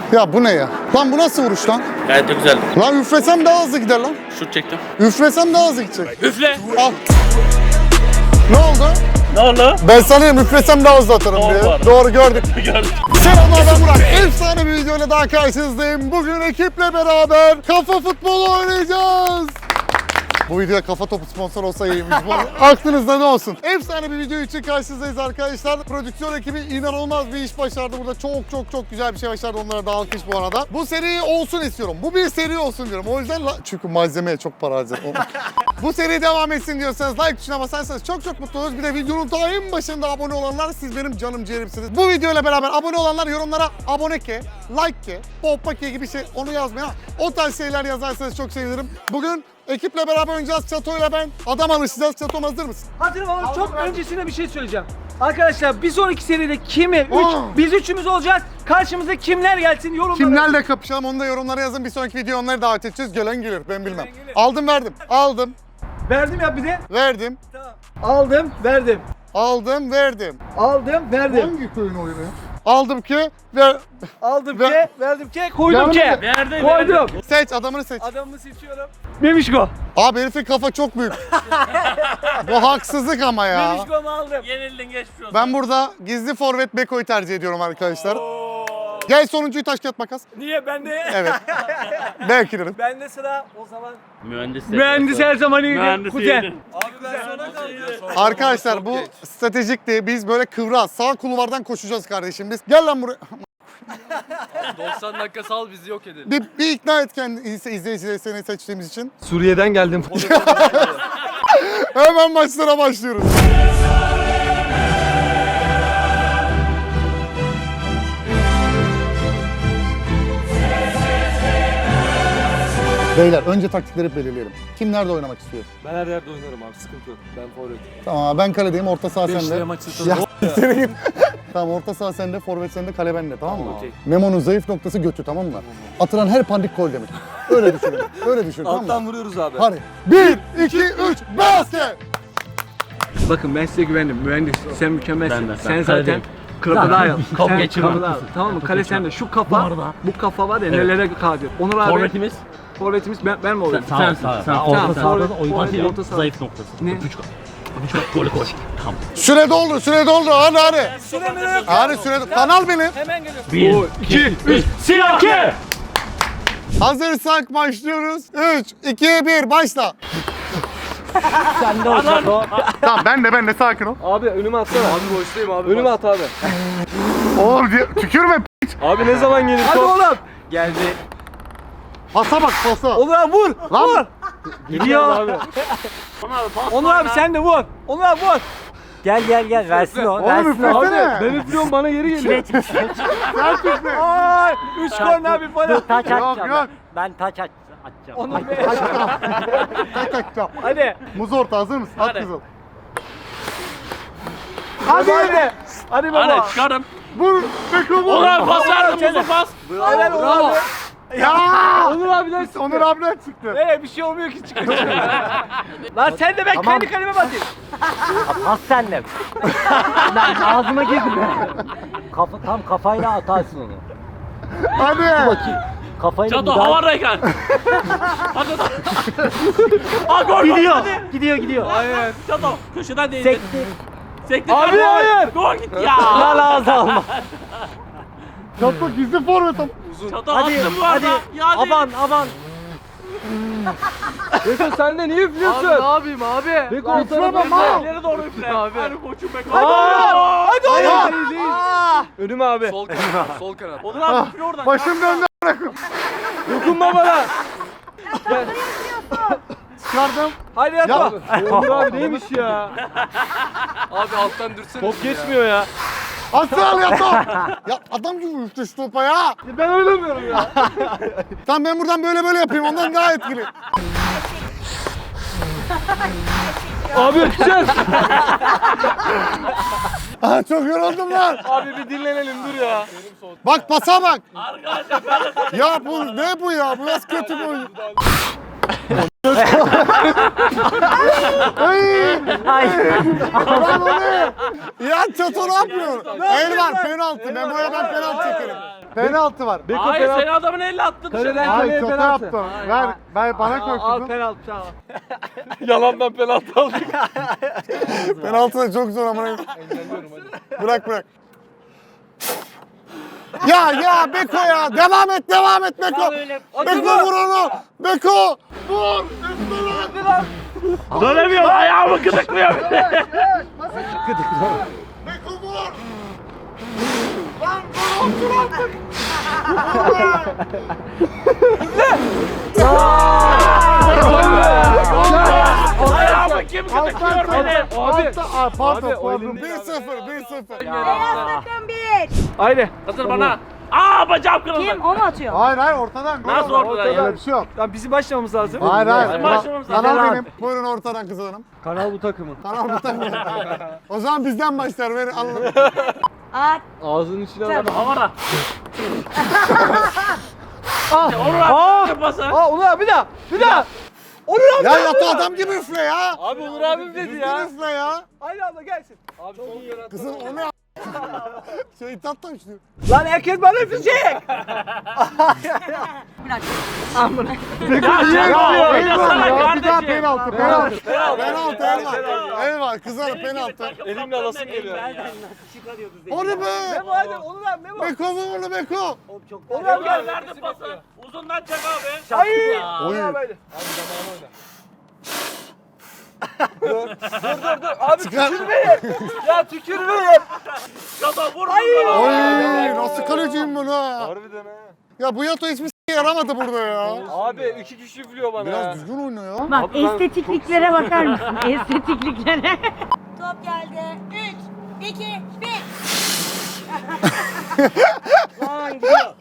Ya bu ne ya? Lan bu nasıl vuruş lan? Gayet de güzeldi. Lan üflesem daha hızlı gider lan. Şut çektim. Üflesem daha hızlı gidecek. Üfle. Al. Ne oldu? Ne oldu? Ben sanıyorum üflesem daha hızlı atarım Doğru diye. var. Doğru gördük. Gördüm. Selamlar, ben Burak. Efsane bir videoyla daha karşınızdayım. Bugün ekiple beraber kafa futbolu oynayacağız. Bu videoya kafa topu sponsor olsa iyiymiş. Bu aklınızda ne olsun. Efsane bir video için karşınızdayız arkadaşlar. Prodüksiyon ekibi inanılmaz bir iş başardı. Burada çok güzel bir şey başardı. Onlara da alkış bu arada. Bu seri olsun istiyorum. Bu bir seri olsun diyorum. O yüzden çünkü malzemeye çok para harcadım. Bu seri devam etsin diyorsanız like tuşuna basarsanız çok mutlu oluruz. Bir de videonun daha en başında abone olanlar siz benim canım ciğerimsiniz. Bu videoyla beraber abone olanlar yorumlara abone ke, like ke, poppa ke gibi şey onu yazmayın. O tarz şeyler yazarsanız çok sevinirim. Bugün ekiple beraber oynayacağız. Çato'yla ben adam alışacağız. Çatom hazır mısın? Hazırım ama çok öncesinde bir şey söyleyeceğim. Arkadaşlar bir sonraki seride kimi? Biz üçümüz olacağız. Karşımıza kimler gelsin yorumlara. Kimlerle kapışalım onu da yorumlara yazın. Bir sonraki video onları davet edeceğiz. Gelen gelir, ben bilmem. Aldım verdim. Aldım. Verdim ya bir de. Verdim. Tamam. Aldım, verdim. Aldım verdim. Aldım, verdim. Hangi köyün oyunu ya? Aldım ki ver. Aldım Ver. ke, verdim ke, koydum ke. Verdim. Koydum. Seç adamını seç. Adamımı seçiyorum. Memişko. Abi herifin kafa çok büyük. Bu haksızlık ama ya. Memişko'mu aldım. Yenildin, geçmiş olsun. Ben burada gizli forvet Beko'yu tercih ediyorum arkadaşlar. Gel sonuncuyu taş kağıt makas. Niye ben de? Evet. Belki derim. Ben de sıra o zaman. Mühendis. her zaman iyi. Mühendis Kuzen. iyiydi. Abi ben sona kaldım. Arkadaşlar bu stratejikti. Biz böyle kıvras sağ kulvardan koşacağız kardeşim biz. Gel lan buraya. 90 dakika sal bizi yok edin. Bir ikna et kendi izleyicileri seni seçtiğimiz için. Suriye'den geldim. Hemen maçlara başlıyoruz. Beyler önce taktikleri belirleyelim. Kim nerede oynamak istiyor? Ben her yerde oynarım abi, sıkıntı yok. Ben forvet. Tamam ben kaledeyim, orta saha sende. Beşliğe maçı Ya tutalım. seni git. Tamam orta saha sende, forvet sende, kale bende tamam mı? Okey. Memo'nun zayıf noktası götü tamam mı? Atılan her pandik gol demek. Öyle düşünün. Öyle düşün tamam mı? Alttan vuruyoruz abi. Hadi. 1, 2, 3, basket! Bakın ben size güvendim. Mühendis sen mükemmelsin. Ben de. Sen Ben zaten kaledeyim. kapıda al. Top Sen geçirmem. kapıda al. Tamam mı? Kale sende. Şu kafa, bu kafa var ya nelere kadir. Onur abi. Forvetimiz. Forvetimiz ben mi olayım? Sen. Tamam, Orta forvet, orta saha. zayıf noktası. Ne? Golü koy. Tamam. Süre doldu. Hadi. Süremi yok. Hadi süre Kanal benim. Hemen geliyorum. 1, 2, 3, Silahke! Hazırsak başlıyoruz. 3, 2, 1 başla. Sen de o. Tamam ben de sakin ol. Abi önüme atsana. Abi boştayım abi. Önüme at abi. Oğlum tükürme. Abi ne zaman gelir Hadi top? oğlum. Geldi. Pasa bak pasa. Onur abi vur. Lan. Vur. Gidiyor abi. Onur abi sen de vur. Onur abi vur. Gel versin o. Oğlum Versin o. üflesene. Ben üflüyorum bana geri geliyor. Sen üfle. Ay 3 korner bir Dur falan. taç Yok, atacağım. yok. Ben taç atacağım. Onur Bey. Tak. Hadi. Muz orta hazır mısın? At Hadi. kızıl. Hadi. Hadi baba. Hadi çıkarım. Vur. Beko vur. Onur pas verdim, muzu pas. Helal Onur abi. Ya. Onur abiler çıktı. Onur abiden çıktı. Bir şey olmuyor ki çıkıyor. Lan sen de ben Tamam. kendi kaleme bakayım. Pas senle. Ben ağzıma girdim. Tam kafayla atarsın onu. Hadi. Bakayım. Kafayla Çato müdahale. havadayken. Hadi. Aa gol. Gidiyor. Hayır. Çato köşeden değdi. Sekti. Sekti. Abi, Gol. hayır. Gol gitti ya. Lan ağzı alma. Çatma gizli forvetim. Çato Hadi. attım bu arada. Yani. Aman. Beko sen de niye üflüyorsun? Abi ne yapayım abi? Beko o tarafa İleri doğru üfle. Abi. Hadi koçum be. Hadi oğlum. Önüme abi. Sol kanat. Sol kanat. Onur abi üfle oradan. Başım döndü. Dokunma bana. Çıkardım. Hadi yat. Ya. Onur abi neymiş ya? Abi alttan dürsene. Top geçmiyor ya. Asıl ya top. Ya adam gibi üfle şu topa ya. Ben oynamıyorum ya. Tamam ben buradan böyle yapayım. Ondan daha etkili. Abi öpeceğiz. Aa, çok yoruldum lan. Abi bir dinlenelim dur ya. Bak pasa bak. Arkadaşlar ben de Ya bu ne bu ya? Bu nasıl kötü bir oyun? Lan o ne? Ya Çato ne yapıyor? El var penaltı. Ben penaltı çekerim. Penaltı var. Hayır sen adamın elle attın dışarı. Kaleden Ay kaleye şaka penaltı. yaptım. Ver bana koy Al kızım. penaltı tamam. Yalandan penaltı aldık. Penaltı da çok zor ama. Bırak. Ya Beko ya. Devam et Beko. Beko vur onu. Beko. Vur. Dönemiyorum ayağımı gıdıklıyor. Beko vur. Lan dur artık. Ayağımı kim gıdıklıyor beni? Pardon. o elinde 1-0. Beyaz takım 1. Haydi. Hazır bana. Bacağım kırıldı. Kim? O mu atıyor? Hayır ortadan. Nasıl ortadan ya? Öyle bir şey yok. Tamam bizim başlamamız lazım. Hayır. başlamamız lazım. Kanal benim. Buyurun ortadan kız hanım. Kanal bu takımın. Kanal bu takım. O zaman bizden başlar. Verin alın. At. Ağzının içine al. Tamam. Havara. Onur abi pası. Onur bir daha. Onur abi. Ya yatı adam gibi üfle ya. Abi Onur abim dedi Düzgün ya. üfle ya. Haydi abla gelsin. Abi çok iyi. Kızım o ne Şeytan taşlıyor. Lan herkes bana öpecek. Bırak. Ya Bir oynasana daha kardeşim. penaltı. Elvan. Kızlar penaltı. Elimle alasım geliyor. O ne be? Memo hadi Onur abi Memo. Beko vur onu Beko. Onur abi gel. Verdim pası. Uzundan çek abi. Hayır. Oy. Onur abi haydi. Abi zamanı oyna. Dur. Abi Çıkar. tükürmeyin. Ya tükürmeyin. Baba vur. Oy nasıl kaleciyim ben ha. Harbiden ha. Ya bu yato hiçbir yaramadı burada ya. Abi 2 kişi üflüyor bana. Biraz düzgün oyna ya. Bak estetikliklere bakar mısın? Estetikliklere. Top geldi. 3, 2, 1. Vay gidiyor.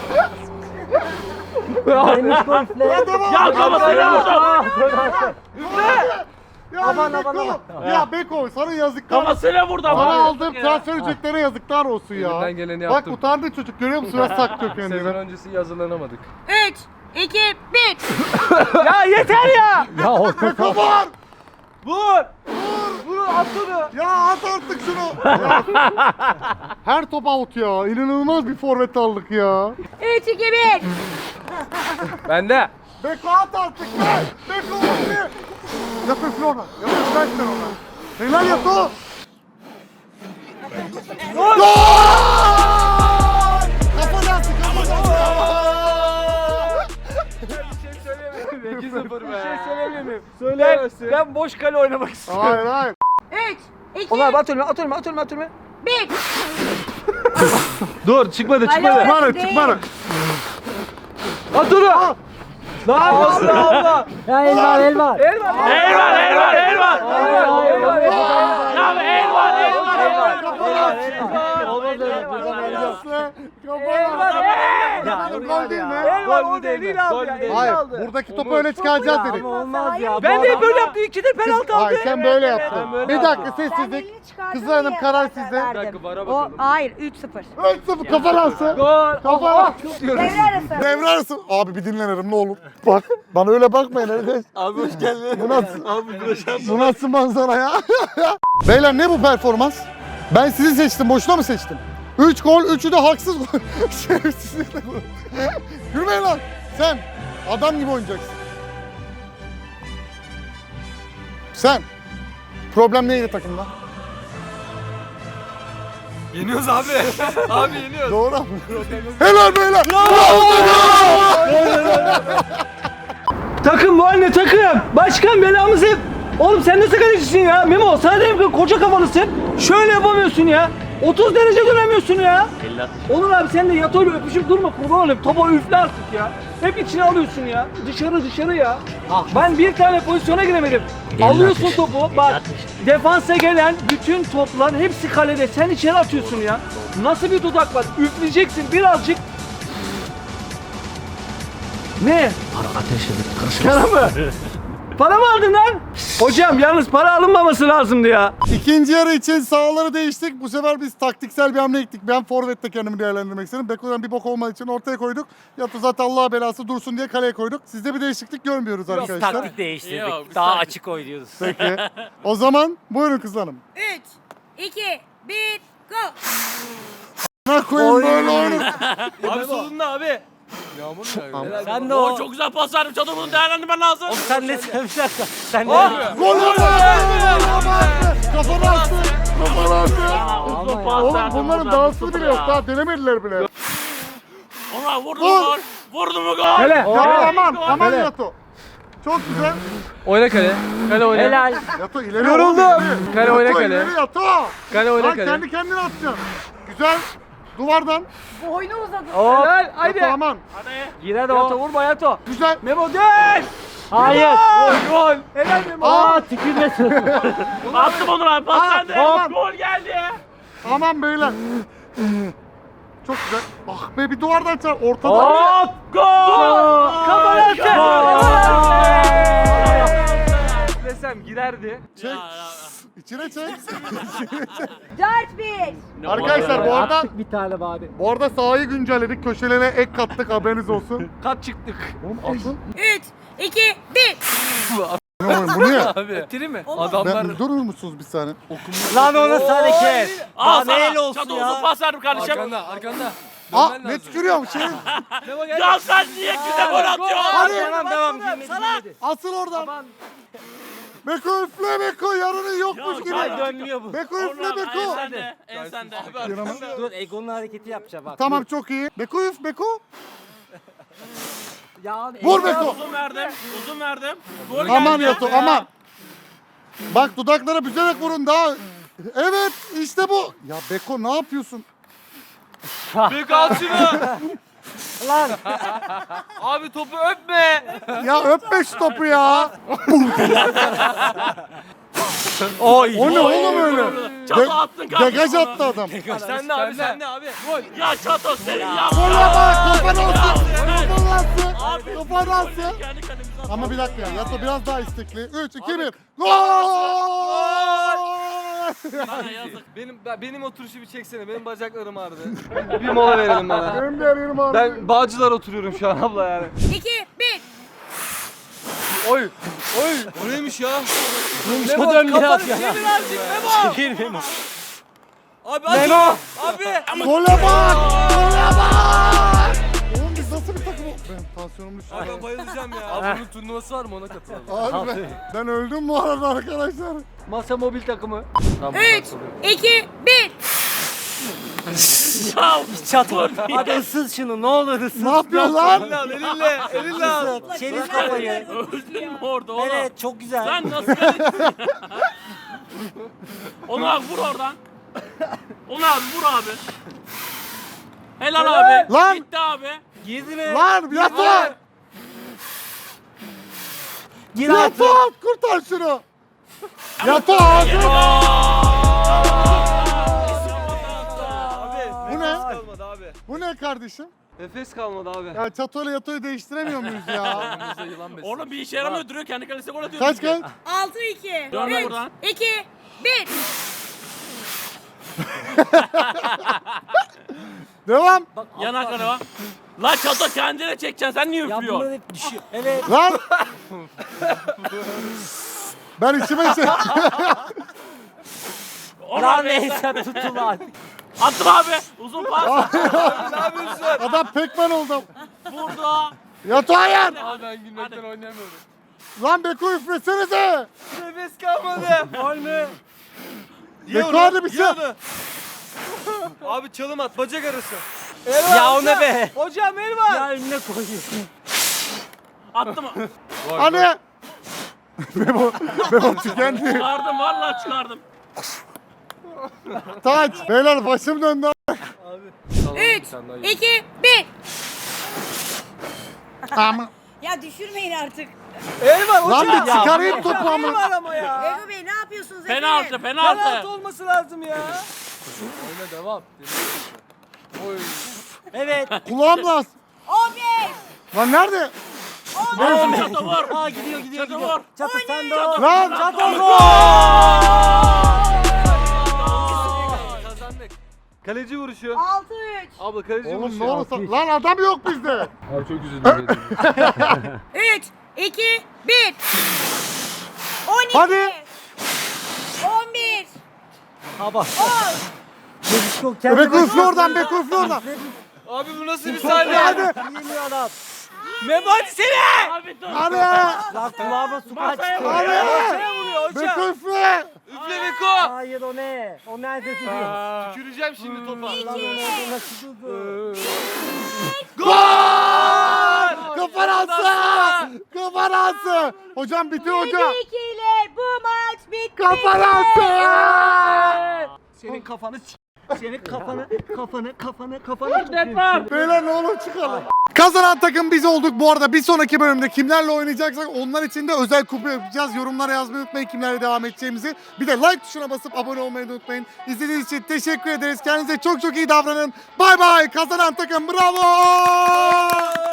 Ya kafasına vurdu. Ya Beko. Ya Beko sana yazıklar olsun. Kafasına vurdu Sana ama. aldığım transfer ücretlerine yazıklar olsun ya. Elimden geleni Bak yaptım. utandı çocuk görüyor musun? Nasıl saklıyor Sezon kendini. öncesi hazırlanamadık. 3, 2, 1. Ya yeter ya. Ya o Beko vur. Vur. Vur at onu. Ya at artık şunu. Ya. Her top out ya. İnanılmaz bir forvet aldık ya. 3, 2, 1. Bende. Beko at artık be. Beko vur. Yap üfle ona. Yap üfle sen ona. Helal yap o. Gol! Kafa dansı kafa dansı. Bir şey söyleyemem. 2-0 Bir be. şey söyleyebilir miyim? Söyleyemezsin. Ben boş kale oynamak istiyorum. Hayır. 3, 2, Onur abi at önüme. 1. Dur çıkmadı. Çıkmadı. At onu. Lan Allah. Ya Elvan. Elvan. Elvan. Olmaz öyle. Gol değil mi? Elvan o değil abi ya. Elini Hayır. aldı. Buradaki topu öyle çıkaracağız dedik. Olmaz ya. Ben de böyle yaptım. 2'de penaltı aldı. Hayır sen böyle yaptın. Ben böyle Bir dakika Ben sessizlik. elini çıkardım Kızlar Hanım diye karar zaten sizde. verdim. Bir dakika, bara O, bakalım. hayır 3-0. 3-0 kafa dansı. Gol. Kafa Allah. dansı. Devre arası. Devre arası. Abi bir dinlenirim ne olur. Bak bana öyle bakmayın arkadaş. Abi hoş geldin. Bu nasıl? Abi Bu nasıl manzara ya? Beyler ne bu performans? Ben sizi seçtim. Boşuna mı seçtim? 3 gol, 3'ü de haksız gol. Şerefsizlikle gol. Yürümeyin lan. Sen adam gibi oynayacaksın. Sen. Problem neydi takımda? Yeniyoruz abi. Abi yeniyoruz. Doğru abi. Helal beyler. Takım bu anne takım. Başkan belamızı. Oğlum sen nasıl kalecisin ya? Memo sana dedim ki koca kafalısın. Şöyle yapamıyorsun ya. 30 derece dönemiyorsun ya. Onur abi sen de yat öyle öpüşüp durma kurban olayım. Topa üfle artık ya. Hep içine alıyorsun ya. Dışarı ya. Ben bir tane pozisyona giremedim. Alıyorsun topu. Bak defansa gelen bütün toplar hepsi kalede. Sen içeri atıyorsun ya. Nasıl bir dudak var? Üfleyeceksin birazcık. Ne? Para ateşledik. Para mı? Para mı aldın lan? Hocam yalnız para alınmaması lazımdı ya. İkinci yarı için sahaları değiştik. Bu sefer biz taktiksel bir hamle gittik. Ben forvette kendimi değerlendirmek istedim. Beko'dan bir bok olmadığı için ortaya koyduk. Yatı zaten Allah belası dursun diye kaleye koyduk. Sizde bir değişiklik görmüyoruz arkadaşlar. Taktik değiştirdik. Yok, biz Daha taktik- açık oynuyoruz. Peki. O zaman buyurun kızlarım. 3, 2, 1, go. amına koyayım böyle oyunu. Abi solunda abi. Yağmur mu yağıyor? Sen de Oo o. çok güzel pas verdim. Çadır bunu değerlendirmen lazım. Oğlum sen ne sevmişler? Sen ne? Gol oldu. Kafana attı. Kafana attı. Uzun pas Oğlum verdim bunların buradan, dansı tuttu bile ya. yok. Daha denemediler bile. Ona vurdu Gol. mu gol? Vurdu mu gol? Hele. Yato aman. Aman Hele. Yato. Çok güzel. Oyna kale. Kale oyna. Helal. Yato ileri. Yoruldum. oğlum, ileri. Kale oyna Yato, kale. ileri Yato. Kale oyna Lan kale. kendi kendine atacaksın. Güzel. Duvardan. Boynu uzadı. Helal. Yato Haydi. aman. Hadi. Girer Yato o. vurma Yato. Güzel. Memo dön. Hayır. Gol. Helal Memo. Aa tükürmesin. Attım onu abi pas sende. hop. Gol geldi. Aman beyler. Çok güzel. Ah be bir duvardan çar. Ortada. Hop. Gol. Kafana Desem girerdi. Çek. İçine çek. 4-1. Arkadaşlar bu arada Attık bir tane bari. bu arada sahayı güncelledik. Köşelere ek kattık haberiniz olsun. Kat çıktık. Oğlum atın. 3, 2, 1. Ne oğlum bu ne? Abi. Bitti mi? Adamlar Ben durur musunuz bir saniye? Lan o nasıl hareket? Al Daha sana. neyle olsun Çadır ya? uzun pas verdim kardeşim. arkanda arkanda. Aa Dönmen ne lazım. tükürüyorum şey. Memo gel. Ya sen niye güzel gol atıyorsun? Hadi. Devam girmedi. Asıl oradan. Beko üfle Beko yarının yokmuş Ya, gibi. ya. Dönmüyor bu. Beko üfle En Beko. sende. En sende. Dur Egon'un hareketi yapacağım bak. Tamam çok iyi. Beko üf Beko. Ya, Vur Beko. Uzun verdim. Uzun verdim. Gol Aman geldi. Yato aman. Bak dudaklara büzerek vurun daha. Evet işte bu. Ya Beko ne yapıyorsun? Büyük al şunu. Lan. Abi topu öpme. Ya öpme şu topu ya. Oy. O ne oğlum öyle? Çato attın kardeşim. Degaj attı adam. Sen de abi sen de abi. Ya Çato senin yaptın. Kola bak kafana alsın. Kafana alsın. Kafana alsın. Kendi kalemize Ama bir dakika ya. Yato biraz daha istekli. 3, 2, 1. Gol! Sana yazık. Benim oturuşu bir çeksene. Benim bacaklarım ağrıdı. Bir mola verelim bana. Benim de yerim ağrıyor. Ben Bağcılar oturuyorum şu an abla yani. 2, 1. Oy. Oy. O neymiş ya? Memo dön biraz ya. Çevir Memo. Abi Memo. Abi. Gole bak! Gole bak! Oğlum biz nasıl bir takım? Benim tansiyonum düştü. Abi ben bayılacağım ya. Abi bunun turnuvası var mı ona katılalım. Abi ben öldüm bu arada arkadaşlar. Masa mobil takımı. 3, 2, 1. Ya Çatı. Hadi ısız şunu ne olur ısız. Ne yapıyorsun lan? Elinle. Elinle al. Çevir kafayı. öldün mü orada oğlum? Evet çok güzel. Sen nasıl geldin? Onu abi vur oradan. Onu abi vur abi. Helal abi. Lan! Gitti abi. Girdi mi? Lan Yato! Gir Yato artık. kurtar şunu. Yato ağzına. Abi. Bu ne? Nefes kalmadı abi. Bu ne kardeşim? Nefes kalmadı abi. Ya Çato ile Yato'yu değiştiremiyor muyuz ya? Bize yılan besin. Oğlum bir işe yaramıyor duruyor kendi kalesine gol atıyor. Kaç kaç? 6, 2, Dönme 3, buradan. 2, 1. Devam. Yanaklara bak. Lan Çato kendine çekeceksin sen niye Ya bunlar üflüyorsun? hep düşüyor. Evet. Lan. Ben içime şey... Onu Lan abi. neyse tutun lan. Attım abi. Uzun pas. Ne yapıyorsun? Adam pekmen oldu. Vurdu. Yato hayır. Abi ben gülmekten oynayamıyorum. Lan Beko üflesenize. Nefes kalmadı. Gol mü? Beko hadi bir şey. Abi çalım at bacak arası. Ya o ne be? Hocam el var. Ya önüne koyuyorsun. Attım. Hani. Beko tükendi. Çıkardım vallahi çıkardım. Taç. Beyler başım döndü. 3, 2, 1. Ama. Ya düşürmeyin artık. El var Lan hocam. bir çıkarayım topu El ama. var ama ya. Ego Bey ne yapıyorsunuz Penaltı efendim? Penaltı penaltı. olması lazım ya. Oyna devam. Oy. Evet. Kulağım lan. 15. Lan nerede? Vur Çato vur. Aa gidiyor gidiyor Çato gidiyor. vur. Çatı sen de o. Lan. Kazandık. Kaleci vuruşu. 6, 3. Abla kaleci Oğlum vuruşu. ne olursa. Lan adam yok bizde. Abi çok üzüldüm. 3, 2, 1. 12. Hadi. 11. Ha bak. 10. Beko üfle oradan, Beko üfle oradan. Abi bu nasıl bir sahne? Hadi. Yeniyor adam. Memo hadi seni. Abi dur. Hadi. Lan kulağıma su kaçtı. Hadi. Hocaya vuruyor hoca. Beko üfle. Üfle Beko. Hayır o ne? O nerede tutuyor? Tüküreceğim şimdi topa. Lan o nerede nasıl tuttu? Kafanası. Kafanası. Hocam bitti hocam. 7-2 ile bu maç bitti. Kafanası. Senin kafanı senin kafanı Deprem. Beyler ne olur çıkalım. Kazanan takım biz olduk. Bu arada bir sonraki bölümde kimlerle oynayacaksak onlar için de özel kupa yapacağız. Yorumlara yazmayı unutmayın kimlerle devam edeceğimizi. Bir de like tuşuna basıp abone olmayı da unutmayın. İzlediğiniz için teşekkür ederiz. Kendinize çok çok iyi davranın. Bay bay. Kazanan takım bravo.